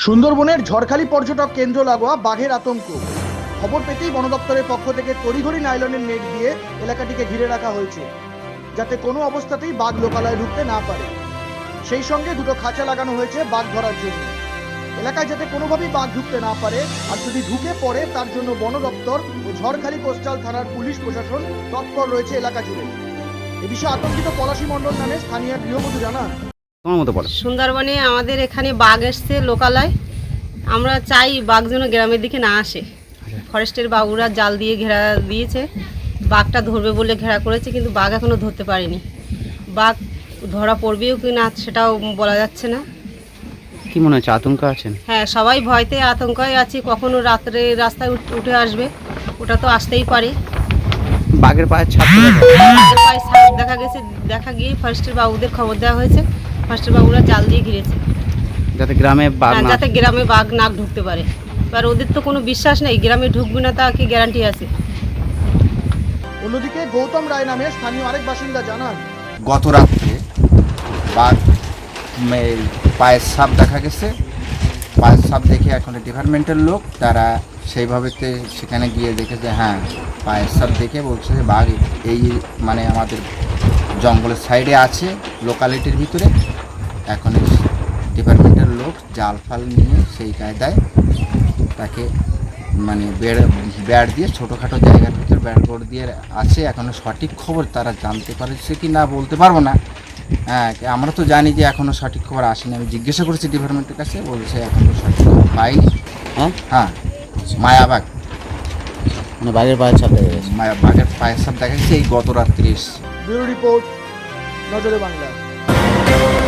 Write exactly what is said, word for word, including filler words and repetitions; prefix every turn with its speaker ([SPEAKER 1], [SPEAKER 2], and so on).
[SPEAKER 1] সুন্দরবনের ঝড়খালি পর্যটক কেন্দ্র লাগোয়া বাঘের আতঙ্ক। খবর পেতেই বন দপ্তরের পক্ষ থেকে তড়িঘড়ি নাইলনের নেট দিয়ে এলাকাটিকে ঘিরে রাখা হয়েছে, যাতে কোনো অবস্থাতেই বাঘ লোকালয়ে ঢুকতে না পারে। সেই সঙ্গে দুটো খাঁচা লাগানো হয়েছে বাঘ ধরার জন্য। এলাকায় যাতে কোনোভাবেই বাঘ ঢুকতে না পারে, আর যদি ঢুকে পড়ে তার জন্য বন দপ্তর ও ঝড়খালি কোস্টাল থানার পুলিশ প্রশাসন তৎপর রয়েছে এলাকা জুড়ে। এ বিষয়ে আতঙ্কিত পলাশী মণ্ডল নামে স্থানীয় গৃহবধূ জানান,
[SPEAKER 2] তোমার মতো বলো।
[SPEAKER 3] সুন্দরবনে আমাদের এখানে বাঘ এসছে লোকালয়। আমরা চাই বাঘ যেন গ্রামের দিকে না আসে। ফরেস্টের বাবুরা জাল দিয়ে ঘেরা দিয়েছে, বাঘটা ধরবে বলে ঘেরা করেছে, কিন্তু বাঘ এখনো ধরতে পারেনি। বাঘ ধরা পড়বেও কি না সেটাও বলা যাচ্ছে না।
[SPEAKER 2] কি মনে হচ্ছে, আতঙ্ক আছেন?
[SPEAKER 3] হ্যাঁ, সবাই ভয়তে আতঙ্কায় আছি, কখনো রাত্রে রাস্তায় উঠ- উঠে আসবে, ওটা তো আসতেই পারে।
[SPEAKER 2] বাঘের পায়ের ছাপ তো দেখা
[SPEAKER 3] বাঘের পায়ে ছাপ দেখা গেছে, দেখা গিয়ে ফরেস্টের বাবুদের খবর দেওয়া হয়েছে। ফরেস্টের বাবুরা জাল দিয়ে ঘিরেছে,
[SPEAKER 2] যাতে গ্রামে বাঘ
[SPEAKER 3] হ্যাঁ,
[SPEAKER 2] না
[SPEAKER 3] যাতে গ্রামে বাঘ না ঢুকতে পারে। এবার ওদের তো কোনো বিশ্বাস নেই, গ্রামে ঢুকবে না তা কি গ্যারান্টি আছে?
[SPEAKER 1] অন্যদিকে গৌতম রায় নামে স্থানীয় আরেক বাসিন্দা জানান,
[SPEAKER 4] গত রাত্রে বাঘ উম, এই পায়ের ছাপ দেখা গেছে। পায়ের ছাপ দেখে এখন ডিপার্টমেন্টের লোক তারা সেইভাবেতে সেখানে গিয়ে দেখে যে হ্যাঁ পায়ের ছাপ দেখে বলছে যে বাঘ এই মানে আমাদের জঙ্গলের সাইডে আছে লোকালিটির ভিতরে। এখন এই ডিপার্টমেন্টের লোক জাল ফাল নিয়ে সেই কায়দায় তাকে মানে বেড় ব্যাট দিয়ে ছোটোখাটো জায়গার ভিতরে ব্যাট বোর্ড দিয়ে আছে। এখনও সঠিক খবর তারা জানতে পারছে কি না বলতে পারবো না। হ্যাঁ, আমরা তো জানি যে এখনও সঠিক খবর আসেনি। আমি জিজ্ঞাসা করেছি ডিপার্টমেন্টের কাছে, বলছে এখনও সঠিক খবর পাইনি।
[SPEAKER 2] হ্যাঁ
[SPEAKER 4] হ্যাঁ, মায়াবাগ
[SPEAKER 2] মানে বাঘের পায়ের ছাপ দেখা গেছে।
[SPEAKER 4] মায়া বাঘের পায়ের ছাপ দেখা গেছে এই গত রাত্রি।
[SPEAKER 1] ব্যুরো রিপোর্ট, নজরে বাংলা।